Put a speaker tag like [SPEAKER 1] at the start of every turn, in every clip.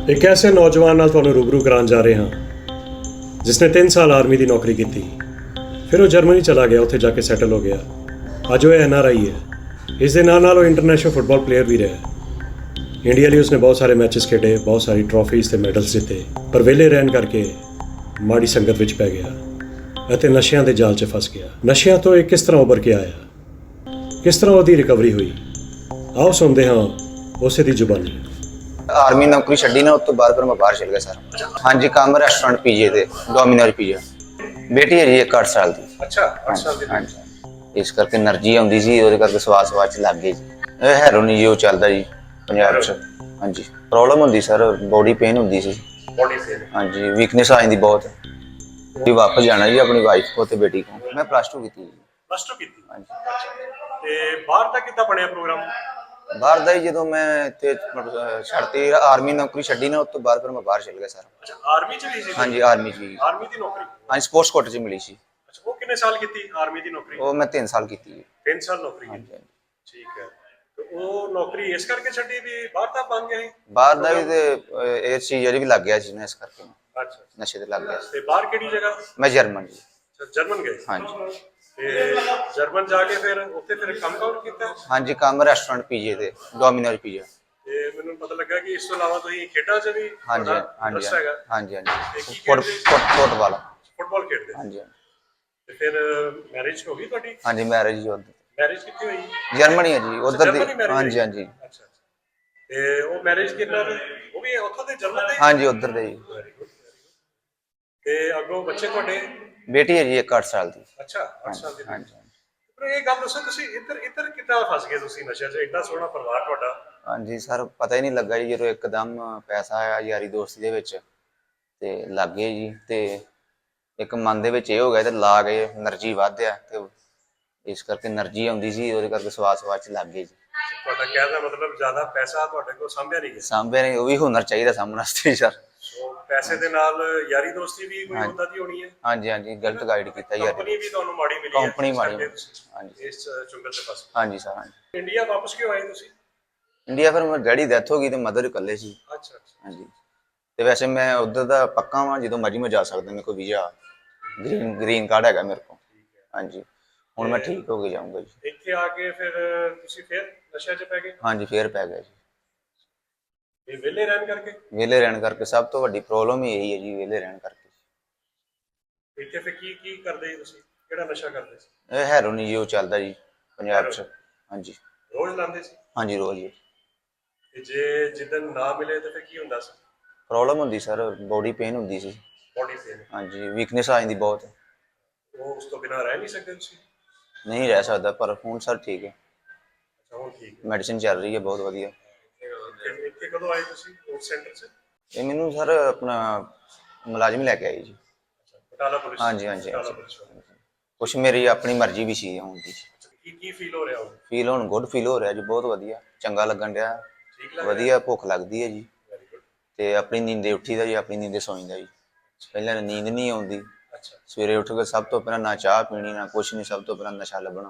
[SPEAKER 1] एक ऐसे नौजवान ਨਾਲ ਤੁਹਾਨੂੰ रूबरू कराने जा रहे ਹਾਂ जिसने 3 साल आर्मी की नौकरी की फिर वो जर्मनी चला गया, उत्थे जाके सैटल हो गया। अज वो NRI है। इस दे नाल वो इंटरनेशनल फुटबॉल प्लेयर भी रहा। इंडिया लिए उसने बहुत सारे मैचेस खेडे, बहुत सारी ट्रॉफीज़ ते मैडल्स जीते, पर वेले रहन करके माड़ी संगत विच पै गया ਅਤੇ ਨਸ਼ਿਆਂ ਦੇ ਜਾਲ 'ਚ ਫਸ ਗਿਆ। ਨਸ਼ਿਆਂ ਤੋਂ ਇਹ ਕਿਸ ਤਰ੍ਹਾਂ ਉੱਭਰ ਕੇ ਆਇਆ, ਕਿਸ ਤਰ੍ਹਾਂ ਉਹਦੀ ਰਿਕਵਰੀ ਹੋਈ, ਆਓ ਸੁਣਦੇ ਹਾਂ ਉਸੇ ਦੀ ਜ਼ੁਬਾਨੀ।
[SPEAKER 2] आर्मी नौकरी छड्डी ना, उस तो बाद फिर मैं बाहर चल गया सर। हाँ जी, काम रेस्टोरेंट पीजे थे, डोमिनोज पीजा। बेटी है जी 8 साल की।
[SPEAKER 1] अच्छा, 8 साल की।
[SPEAKER 2] हाँ जी, इस करके एनर्जी आती सी, ਉਹਦੇ ਕਰਕੇ ਸਵਾਸ ਚ ਲੱਗ ਗਈ ਜੀ। ਇਹ ਹੈਰੋਨ ਜੀ ਉਹ ਚੱਲਦਾ ਜੀ ਪੰਜਾਬ 'ਚ। हाँ जी, प्रॉब्लम ਹੁੰਦੀ सर, बॉडी पेन ਹੁੰਦੀ ਸੀ।
[SPEAKER 1] Body pain?
[SPEAKER 2] हाँ जी, वीकनेस आ ਜਾਂਦੀ बहुत। जी वापस जाना जी अपनी वाइफ को ਤੇ बेटी को। मैं +2 ਕੀਤੀ ਜੀ।
[SPEAKER 1] +2 ਕੀਤੀ?
[SPEAKER 2] हाँ जी।
[SPEAKER 1] ਤੇ ਬਾਹਰ ਦਾ ਕਿੱਦਾਂ ਬਣਿਆ ਪ੍ਰੋਗਰਾਮ?
[SPEAKER 2] ਬਾਹਰ ਦਾ ਹੀ ਜਦੋਂ ਮੈਂ ਇੱਥੇ ਛੱਡਤੀ ਆਰਮੀ ਨੌਕਰੀ ਛੱਡੀ ਨਾ, ਉਸ ਤੋਂ ਬਾਅਦ ਫਿਰ ਮੈਂ ਬਾਹਰ ਚਲ ਗਿਆ ਸਰ।
[SPEAKER 1] ਅੱਛਾ, ਆਰਮੀ ਚ ਵੀ ਸੀ?
[SPEAKER 2] ਹਾਂਜੀ, ਆਰਮੀ ਚ ਵੀ।
[SPEAKER 1] ਆਰਮੀ ਦੀ ਨੌਕਰੀ?
[SPEAKER 2] ਹਾਂਜੀ, ਸਪੋਰਟਸ ਕੋਟੇ ਚ ਮਿਲੀ ਸੀ।
[SPEAKER 1] ਅੱਛਾ, ਉਹ ਕਿੰਨੇ ਸਾਲ ਕੀਤੀ ਆਰਮੀ ਦੀ ਨੌਕਰੀ?
[SPEAKER 2] ਉਹ ਮੈਂ 3 ਸਾਲ ਕੀਤੀ ਜੀ।
[SPEAKER 1] 3 ਸਾਲ ਨੌਕਰੀ ਕੀਤੀ? ਠੀਕ ਹੈ। ਤੇ ਉਹ ਨੌਕਰੀ ਇਸ ਕਰਕੇ ਛੱਡੀ ਵੀ ਬਾਹਰ ਦਾ ਬਣ ਗਿਆ ਸੀ?
[SPEAKER 2] ਬਾਹਰ ਦਾ ਵੀ ਤੇ ਇਸ ਚੀਜ਼ ਵੀ ਲੱਗ ਗਿਆ ਸੀ ਨਾ, ਇਸ ਕਰਕੇ
[SPEAKER 1] ਅੱਛਾ,
[SPEAKER 2] ਨਸ਼ੇ ਤੇ ਲੱਗ ਗਿਆ ਸੀ।
[SPEAKER 1] ਤੇ ਬਾਹਰ ਕਿਹੜੀ ਜਗ੍ਹਾ?
[SPEAKER 2] ਮੈਂ ਜਰਮਨ ਜੀ।
[SPEAKER 1] ਅੱਛਾ, ਜਰਮਨ ਗਏ?
[SPEAKER 2] ਹਾਂਜੀ।
[SPEAKER 1] ਤੇ ਜਰਮਨ ਜਾ ਕੇ ਫਿਰ ਉੱਥੇ ਫਿਰ ਕੰਮ ਕੀਤਾ?
[SPEAKER 2] ਹਾਂਜੀ, ਕੰਮ ਰੈਸਟੋਰੈਂਟ ਪੀਜੇ ਤੇ ਡੋਮਿਨੋਜ ਪੀਜਾ।
[SPEAKER 1] ਤੇ ਮੈਨੂੰ ਪਤਾ ਲੱਗਾ ਕਿ ਇਸ ਤੋਂ ਇਲਾਵਾ ਤੁਸੀਂ ਖੇਡਾਂ 'ਚ ਵੀ
[SPEAKER 2] ਹਾਂਜੀ ਹਾਂਜੀ ਹਾਂਜੀ ਫੁੱਟਬਾਲ
[SPEAKER 1] ਖੇਡਦੇ?
[SPEAKER 2] ਹਾਂਜੀ।
[SPEAKER 1] ਤੇ ਫਿਰ ਮੈਰਿਜ ਹੋ ਗਈ ਤੁਹਾਡੀ?
[SPEAKER 2] ਹਾਂਜੀ, ਮੈਰਿਜ ਉਧਰ।
[SPEAKER 1] ਮੈਰਿਜ ਕਿੱਥੇ ਹੋਈ?
[SPEAKER 2] ਜਰਮਨੀ ਹੈ ਜੀ, ਉਧਰ ਦੀ। ਹਾਂਜੀ ਹਾਂਜੀ।
[SPEAKER 1] ਅੱਛਾ, ਤੇ ਉਹ ਮੈਰਿਜ ਕਿੰਨਾ ਉਹ ਵੀ ਉੱਥੋਂ ਦੇ ਜਰਮਨ ਦੇ?
[SPEAKER 2] ਹਾਂਜੀ, ਉਧਰ ਦੇ ਜੀ।
[SPEAKER 1] ਤੇ ਅੱਗੋਂ ਬੱਚੇ ਤੁਹਾਡੇ?
[SPEAKER 2] ਬੇਟੀ ਹੈ ਜੀ 8 ਸਾਲ ਦੀ।
[SPEAKER 1] ਅੱਛਾ, 8 ਸਾਲ ਦੀ।
[SPEAKER 2] ਹਾਂਜੀ।
[SPEAKER 1] ਪਰ ਇਹ ਗੱਲ ਦੱਸੋ, ਤੁਸੀਂ ਇੱਧਰ ਕਿੱਦਾਂ ਫਸ ਗਏ ਤੁਸੀਂ ਨਸ਼ਿਆਂ 'ਚ? ਇੰਨਾ ਸੋਹਣਾ ਪਰਿਵਾਰ ਤੁਹਾਡਾ।
[SPEAKER 2] ਹਾਂਜੀ ਸਰ, ਪਤਾ ਹੀ ਨਹੀਂ ਲੱਗਾ ਜੀ, ਜਦੋਂ ਇੱਕਦਮ ਪੈਸਾ ਆਇਆ ਯਾਰੀ ਦੋਸਤੀ ਦੇ ਵਿੱਚ ਤੇ ਲੱਗ ਗਏ ਜੀ। ਤੇ ਇੱਕ ਮਨ ਦੇ ਵਿੱਚ ਇਹ ਹੋ ਗਿਆ ਤੇ ਲਾ ਗਏ, એનર્ਜੀ ਵਧਿਆ ਤੇ ਇਸ ਕਰਕੇ એનર્ਜੀ ਆਉਂਦੀ ਸੀ, ਉਹਦੇ ਕਰਕੇ ਸਵਾਸ ਚ ਲੱਗ ਗਏ ਜੀ।
[SPEAKER 1] ਤੁਹਾਡਾ ਕਹਿਣ ਦਾ ਮਤਲਬ ਜ਼ਿਆਦਾ ਪੈਸਾ ਤੁਹਾਡੇ ਕੋਲ ਸਾਂਭਿਆ ਨਹੀਂ ਗਿਆ?
[SPEAKER 2] ਸਾਂਭਿਆ ਨਹੀਂ, ਉਹ ਵੀ ਹੁਨਰ ਚਾਹੀਦਾ ਸਾਂਭਣ ਵਾਸਤੇ ਸਰ।
[SPEAKER 1] ਪੈਸੇ ਦੇ ਨਾਲ ਯਾਰੀ ਦੋਸਤੀ ਵੀ ਕੋਈ ਹੁੰਦਾ ਦੀ ਹੋਣੀ ਹੈ?
[SPEAKER 2] ਹਾਂਜੀ ਹਾਂਜੀ, ਗਲਤ ਗਾਈਡ ਕੀਤਾ ਯਾਰ।
[SPEAKER 1] ਕੰਪਨੀ ਵੀ ਤੁਹਾਨੂੰ ਮਾੜੀ ਮਿਲੀ ਹੈ?
[SPEAKER 2] ਕੰਪਨੀ ਮਾੜੀ।
[SPEAKER 1] ਹਾਂਜੀ, ਇਸ ਚੁੰਗਲ ਦੇ ਪਾਸ।
[SPEAKER 2] ਹਾਂਜੀ ਸਰ। ਹਾਂਜੀ।
[SPEAKER 1] ਇੰਡੀਆ ਵਾਪਸ ਕਿਉਂ ਆਏ ਤੁਸੀਂ?
[SPEAKER 2] ਇੰਡੀਆ ਫਿਰ ਮੇਰੇ ਡੈਡੀ ਡੈਥ ਹੋ ਗਈ ਤੇ ਮਦਰ ਇਕੱਲੇ ਸੀ।
[SPEAKER 1] ਅੱਛਾ ਅੱਛਾ।
[SPEAKER 2] ਹਾਂਜੀ, ਤੇ ਵੈਸੇ ਮੈਂ ਉਧਰ ਦਾ ਪੱਕਾ ਵਾਂ, ਜਦੋਂ ਮਰਜ਼ੀ ਮੈਂ ਜਾ ਸਕਦਾ, ਮੇਰੇ ਕੋਲ ਵੀਜ਼ਾ ਗ੍ਰੀਨ ਕਾਰਡ ਹੈਗਾ ਮੇਰੇ ਕੋਲ। ਹਾਂਜੀ, ਹੁਣ ਮੈਂ ਠੀਕ ਹੋ ਕੇ ਜਾਊਂਗਾ ਜੀ।
[SPEAKER 1] ਇੱਥੇ ਆ ਕੇ ਫਿਰ ਤੁਸੀਂ ਫਿਰ ਨਸ਼ਿਆਂ 'ਚ ਪੈ ਗਏ?
[SPEAKER 2] ਹਾਂਜੀ, ਫੇਰ ਪੈ ਗਿਆ ਜੀ।
[SPEAKER 1] ਇਹ ਵਿਹਲੇ ਰਹਿਣ ਕਰਕੇ?
[SPEAKER 2] ਵਿਹਲੇ ਰਹਿਣ ਕਰਕੇ, ਸਭ ਤੋਂ ਵੱਡੀ ਪ੍ਰੋਬਲਮ ਹੀ ਇਹੀ ਹੈ ਜੀ, ਵਿਹਲੇ ਰਹਿਣ ਕਰਕੇ।
[SPEAKER 1] ਇੱਥੇ ਫਿਰ ਕੀ ਕਰਦੇ ਜੀ ਤੁਸੀਂ? ਕਿਹੜਾ ਨਸ਼ਾ ਕਰਦੇ ਸੀ?
[SPEAKER 2] ਇਹ ਹੈਰੋਨ ਜੀ ਉਹ ਚੱਲਦਾ ਜੀ ਪੰਜਾਬ 'ਚ। ਹਾਂਜੀ।
[SPEAKER 1] ਰੋਜ਼ ਲਾਉਂਦੇ ਸੀ?
[SPEAKER 2] ਹਾਂਜੀ, ਰੋਜ਼ ਜੀ।
[SPEAKER 1] ਤੇ ਜੇ ਜਿੱਦਣ ਨਾ ਮਿਲੇ ਤਾਂ ਫਿਰ ਕੀ ਹੁੰਦਾ ਸੀ?
[SPEAKER 2] ਪ੍ਰੋਬਲਮ ਹੁੰਦੀ ਸਰ, ਬੋਡੀ ਪੇਨ ਹੁੰਦੀ ਸੀ।
[SPEAKER 1] Body pain?
[SPEAKER 2] ਹਾਂਜੀ, ਵੀਕਨੈਸ ਆ ਜਾਂਦੀ ਬਹੁਤ।
[SPEAKER 1] ਉਹ ਉਸ ਤੋਂ ਬਿਨਾਂ ਰਹਿ ਨਹੀਂ ਸਕਦੇ ਤੁਸੀਂ?
[SPEAKER 2] ਨਹੀਂ ਰਹਿ ਸਕਦਾ, ਪਰ ਹੁਣ ਸਰ ਠੀਕ ਹੈ।
[SPEAKER 1] ਅੱਛਾ, ਹੁਣ ਠੀਕ ਹੈ।
[SPEAKER 2] ਮੈਡੀਸਿਨ ਚੱਲ ਰਹੀ ਹੈ ਬਹੁਤ ਵਧੀਆ।
[SPEAKER 1] ਇੱਥੇ ਕਦੋਂ ਆਏ ਤੁਸੀਂ ਉਸ ਸੈਂਟਰ 'ਚ?
[SPEAKER 2] ਇਹ ਮੈਨੂੰ ਸਰ ਆਪਣਾ ਮੁਲਾਜ਼ਮ ਲੈ ਕੇ ਆਏ ਜੀ।
[SPEAKER 1] ਬਟਾਲਾ ਪੁਲਿਸ?
[SPEAKER 2] ਹਾਂਜੀ ਹਾਂਜੀ। ਕੁਛ ਮੇਰੀ ਆਪਣੀ ਮਰਜ਼ੀ ਵੀ ਸੀ ਆਉਣ ਦੀ।
[SPEAKER 1] ਕੀ ਫੀਲ ਹੋ ਰਿਹਾ ਹੁਣ?
[SPEAKER 2] ਫੀਲ ਹੁਣ ਗੁੱਡ ਫੀਲ ਹੋ ਰਿਹਾ ਜੀ, ਬਹੁਤ ਵਧੀਆ, ਚੰਗਾ ਲੱਗਣ ਡਿਆ। ਵਧੀਆ, ਭੁੱਖ ਲੱਗਦੀ ਹੈ ਜੀ। ਤੇ ਆਪਣੀ ਨੀਂਦੇ ਉੱਠੀਦਾ ਜੀ, ਆਪਣੀ ਨੀਂਦੇ ਸੌਂਈਦਾ ਜੀ। ਪਹਿਲਾਂ ਨੀਂਦ ਨਹੀਂ ਆਉਂਦੀ। ਸਵੇਰੇ ਉੱਠ ਕੇ ਸਭ ਤੋਂ ਪਹਿਲਾਂ ਨਾ ਚਾਹ ਪੀਣੀ, ਨਾ ਕੁਛ ਨਹੀਂ, ਸਭ ਤੋਂ ਪਹਿਲਾਂ ਨਸ਼ਾ ਲੱਭਣਾ।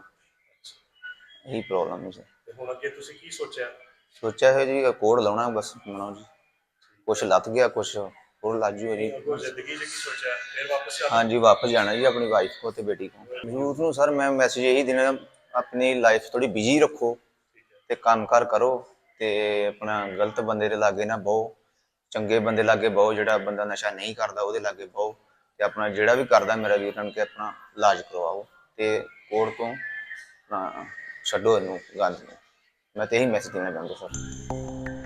[SPEAKER 2] ਇਹੀ ਪ੍ਰੋਬਲਮ ਹੈ ਸਰ।
[SPEAKER 1] ਤੇ ਹੁਣ ਅੱਗੇ ਤੁਸੀਂ ਕੀ ਸੋਚਿਆ?
[SPEAKER 2] ਸੋਚਿਆ ਹੈ ਜੀ ਕੋਡ ਲਾਉਣਾ ਬਸ ਮਨੋ ਜੀ। ਕੁਛ ਲੱਥ ਗਿਆ, ਕੁਛ ਹੋਰ ਲੱਜ ਜੂ ਜੀ।
[SPEAKER 1] ਜ਼ਿੰਦਗੀ 'ਚ ਕੀ ਸੋਚਿਆ? ਫਿਰ ਵਾਪਸ ਜਾਣਾ?
[SPEAKER 2] ਹਾਂਜੀ, ਵਾਪਸ ਜਾਣਾ ਜੀ ਆਪਣੀ ਵਾਈਫ ਕੋ ਤੇ ਬੇਟੀ ਕੋ। ਯੂਥ ਨੂੰ ਸਰ ਮੈਂ ਮੈਸੇਜ ਇਹੀ ਦੇਣਾ, ਆਪਣੀ ਲਾਈਫ ਥੋੜੀ ਬਿਜੀ ਰੱਖੋ ਤੇ ਕੰਮ ਕਾਰ ਕਰੋ ਤੇ ਆਪਣਾ ਗਲਤ ਬੰਦੇ ਦੇ ਲਾਗੇ ਨਾ ਬਹੁ, ਚੰਗੇ ਬੰਦੇ ਲਾਗੇ ਬਹੁ। ਜਿਹੜਾ ਬੰਦਾ ਨਸ਼ਾ ਨਹੀਂ ਕਰਦਾ ਉਹਦੇ ਲਾਗੇ ਬਹੁ, ਤੇ ਆਪਣਾ ਜਿਹੜਾ ਵੀ ਕਰਦਾ ਮੇਰਾ ਵੀਰ ਬਣ ਕੇ ਆਪਣਾ ਇਲਾਜ ਕਰਵਾਓ ਤੇ ਕੋੜ ਤੋਂ ਆਪਣਾ ਛੱਡੋ ਇਹਨੂੰ ਗੰਦ ਨੂੰ। ਮੈਂ ਤੇ ਇਹੀ ਮੈਸੇਜ ਦੇਣਾ ਚਾਹੁੰਦਾ ਸਰ।